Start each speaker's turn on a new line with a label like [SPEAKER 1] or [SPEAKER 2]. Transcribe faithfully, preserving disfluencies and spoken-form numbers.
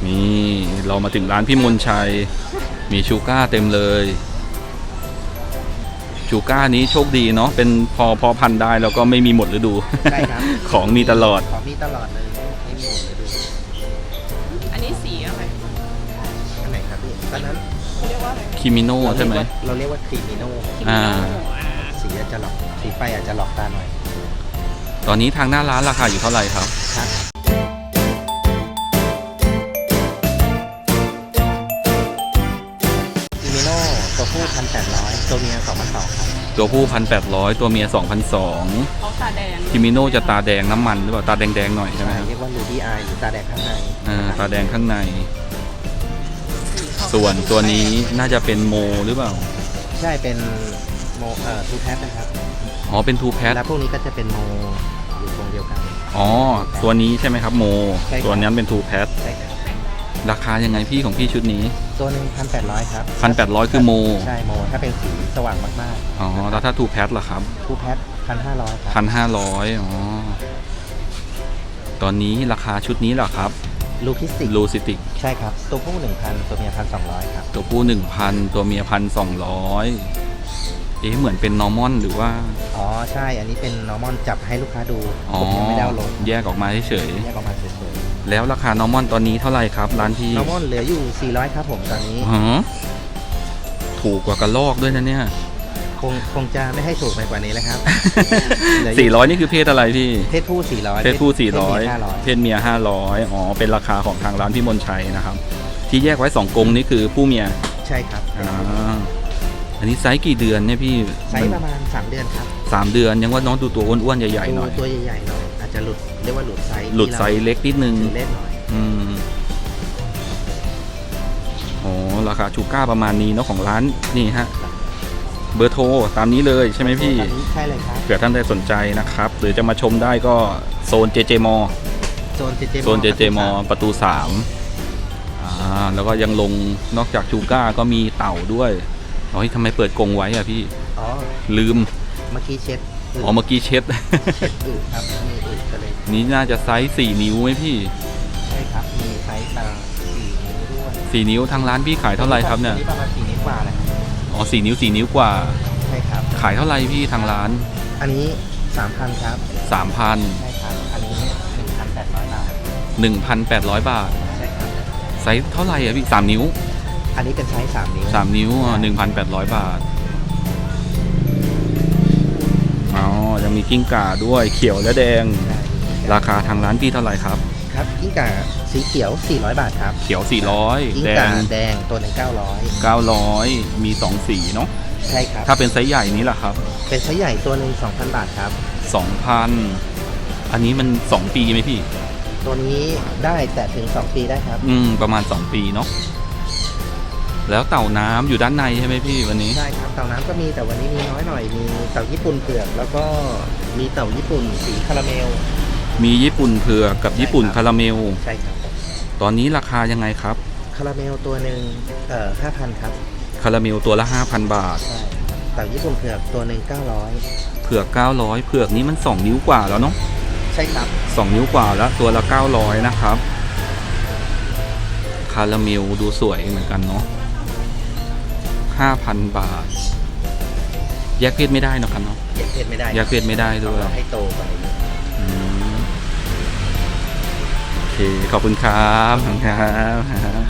[SPEAKER 1] นี่เรามาถึงร้านพี่มนชัยมีชูก้าเต็มเลยชูก้านี้โชคดีเนาะเป็นพอพอพันได้แล้วก็ไม่มีหมดฤดูใช่ครับ ของมีตลอด
[SPEAKER 2] ของมีตลอดเลยไม่มีหมดฤดู
[SPEAKER 3] อันนี้สีอะไร
[SPEAKER 2] อันไหนครับพี่ตอนนั้น
[SPEAKER 3] เรียกว่าอะไร
[SPEAKER 1] คิมิโน่ใช่ไหม
[SPEAKER 2] เราเรียกว่าครีมิโน่
[SPEAKER 1] อ่า
[SPEAKER 2] สีอาจจะหลอกสีไฟอาจจะหลอกตาหน่อย
[SPEAKER 1] ตอนนี้ทางหน้าร้านราคาอยู่เท่าไหร่ครับ
[SPEAKER 2] ครับครีมิโน่ตัวผู้พันแปดร้อยตัวเมียสองพันสองครับ
[SPEAKER 1] ตัวผู้พันแปดร้อยตัวเมียสองพันสอง
[SPEAKER 3] เขาตาแดง
[SPEAKER 1] คิมิโน่จะตาแดงน้ำมันหรือเปล่าตาแดงๆหน่อยใช่ไหม
[SPEAKER 2] เรียกว่าลูดี้อายหรือตาแดงข้างใน
[SPEAKER 1] อ่าตาแดงข้างในส่วนตัวนี้น่าจะเป็นโมหรือเปล่า
[SPEAKER 2] ใช่เป็นโมเอ่อทูแพทนะครับ
[SPEAKER 1] อ๋อเป็นทูแพท
[SPEAKER 2] แล้วพวกนี้ก็จะเป็นโมอยู่ตรงเดียวกัน
[SPEAKER 1] อ๋อตัวนี้ใช่ไหมครับโมตัวนั้นเป็นทูแพท
[SPEAKER 2] ใช่ครับ
[SPEAKER 1] ราคายังไงพี่ของพี่ชุดนี้
[SPEAKER 2] ตัวหนึ่งพันแปดร้อยครับ
[SPEAKER 1] พันแปดร้อยคือโม
[SPEAKER 2] ใช่โมถ้าเป็นสีสว่างมาก
[SPEAKER 1] ๆอ๋อแล้วถ้าทูแพทล่ะครับ
[SPEAKER 2] ทูแพทพันห้าร้อยครับ
[SPEAKER 1] พันห้าร้อยอ๋อตอนนี้ราคาชุดนี้เหรอครับ
[SPEAKER 2] ลูคิสติก
[SPEAKER 1] ลูซิติก
[SPEAKER 2] ใช่ครับตัวผู้หนึ่งพันตัวเมียพันสองร้อยครับ
[SPEAKER 1] ตัวผู้หนึ่งพันตัวเมียพันสองร้อยเอ๊ะเหมือนเป็นนอร์มอนหรือว่า
[SPEAKER 2] อ๋อใช่อันนี้เป็นนอร์มอนจับให้ลูกค้าดู
[SPEAKER 1] ผมยังไม่ได้ลงแยกออกมาเฉย
[SPEAKER 2] แยกออกมาเฉย
[SPEAKER 1] ๆแล้วราคานอร์มอนตอนนี้เท่าไหร่ครับร้านพี่
[SPEAKER 2] นอร์มอนเหลืออยู่สี่ร้อยครับผมตอนนี้
[SPEAKER 1] ฮะถูกกว่ากระลอกด้วยนะเนี่ย
[SPEAKER 2] คงคงจะไม่ให้ถูกไปกว่านี้แล้วครับ
[SPEAKER 1] สี่ร้อยนี่คือเพศอะไรพี่
[SPEAKER 2] เพศผู้สี่ร้อย
[SPEAKER 1] เพศผู้สี่ร้อยเพศเมียห้าร้อยอ๋อเป็นราคาของทางร้านพี่มนชัยนะครับที่แยกไว้สองกรงนี่คือผู้เมีย
[SPEAKER 2] ใช่ครับ
[SPEAKER 1] อ่าอันนี้ไซส์กี่เดือนเนี่ยพี่
[SPEAKER 2] ไซส์ประมาณสามเดือนครับ
[SPEAKER 1] สามเดือนยังว่าน้องดูตัวอ้วนๆใหญ่ๆหน่อย
[SPEAKER 2] ตัวใหญ่ๆหน่อยอาจจะหลุดเรียกว่าหลุดไซส์
[SPEAKER 1] หลุดไซส์เล็กนิดนึง
[SPEAKER 2] เล็กหน่อย
[SPEAKER 1] อืมอ๋อราคาชูก้าประมาณนี้เนาะของร้านนี่ฮะเบอร์โทรตามนี้เลยใช่ไหมพี่
[SPEAKER 2] ใช่เลยครับ
[SPEAKER 1] เผื่อท่านใดสนใจนะครับหรือจะมาชมได้ก็โซน เจ เจ มอ
[SPEAKER 2] โซน เจ เจ
[SPEAKER 1] โซน เจ เจ มอประตูสามอ่าแล้วก็ยังลงนอกจากชูก้าก็มีเต่าด้วยอ๋อทำไมเปิดกรงไว้อะพี่
[SPEAKER 2] อ๋อ
[SPEAKER 1] ลืม
[SPEAKER 2] เมื่อกี้เช็ด
[SPEAKER 1] อ๋อเมื่อกี้เช็ด
[SPEAKER 2] เช็ดอืดครับมีอืดก็เลย
[SPEAKER 1] นี่น่าจะไซส์สี่นิ้วไหมพี่
[SPEAKER 2] ใช่ครับมีไซส์ตาสี่นิ้วด้วย
[SPEAKER 1] สี่นิ้วทางร้านพี่ขายเท่าไหร่ครับเนี่ย
[SPEAKER 2] ประมาณสี่นิ้วกว่าเลย
[SPEAKER 1] อ๋อสี่นิ้วสี่นิ้วกว่า
[SPEAKER 2] ใช่ครับ
[SPEAKER 1] ขายเท่าไหร่พี่ทางร้าน
[SPEAKER 2] อันนี้สามพันครับ
[SPEAKER 1] สามพัน
[SPEAKER 2] ใช่ครับอันนี้หนึ่งพันแปดร้อยบาท
[SPEAKER 1] หนึ่งพันแปดร้อยบาท
[SPEAKER 2] ใช่ครับ
[SPEAKER 1] ไซส์เท่าไหร่อะพี่สามนิ้ว
[SPEAKER 2] อันนี้เป็นไซส์สามนิ้ว
[SPEAKER 1] สามนิ้วอ่ะหนึ่งพันแปดร้อยบาทอ๋อยังมีกิ้งก่าด้วยเขียวและแดงราคาทางร้านพี่เท่าไหร่ครับ
[SPEAKER 2] ครับกิ้งก่าสีเขียวสี่ร้อยบาทครับ
[SPEAKER 1] เขียวสี่ร้อย
[SPEAKER 2] กิ้งก่าแดงตัวหนึ่งเก้าร้อย
[SPEAKER 1] เก้าร้อยมีสองสีเนาะ
[SPEAKER 2] ใช่ครับ
[SPEAKER 1] ถ้าเป็นไซส์ใหญ่นี้ล่ะครับ
[SPEAKER 2] เป็นไซส์ใหญ่ตัวหนึ่งสองพันบาทครับ
[SPEAKER 1] สองพันอันนี้มันสองปีไหมพี่
[SPEAKER 2] ตัวนี้ได้แต่ถึงสองปีได้ครับ
[SPEAKER 1] อืมประมาณสองปีเนาะแล้วเต่าน้ำอยู่ด้านในใช่ไหมพี่วันนี้
[SPEAKER 2] ใช่ครับเต่าน้ำก็มีแต่วันนี้มีน้อยหน่อยมีเต่าญี่ปุ่นเผือกแล้วก็มีเต่าญี่ปุ่นสีคาราเมล
[SPEAKER 1] มีญี่ปุ่นเผือกกับญี่ปุ่นคาราเมล
[SPEAKER 2] ใช่ครับ
[SPEAKER 1] ตอนนี้ราคายังไงครับ
[SPEAKER 2] คาราเมลตัวหนึ่งเอ่อห้าพันครับ
[SPEAKER 1] คาราเมลตัวละห้าพันบาท
[SPEAKER 2] ใช่เต่าญี่ปุ่นเผือกตัวหนึ่งเก้าร้อย
[SPEAKER 1] เผือกเก้าร้อยเผือกนี้มันสองนิ้วกว่าแล้วเนาะ
[SPEAKER 2] ใช่ครับ
[SPEAKER 1] สองนิ้วกว่าแล้วตัวละเก้าร้อยนะครับคาราเมลดูสวยเหมือนกันเนาะห้าพันบาทแยกเพศไม่ได้นะครับเนาะ
[SPEAKER 2] แยกเพศไม่ได้
[SPEAKER 1] แยกเพศไม่ได้ด้วย
[SPEAKER 2] ให้โตไป
[SPEAKER 1] โอเคขอบคุณครับขอบคุณครับ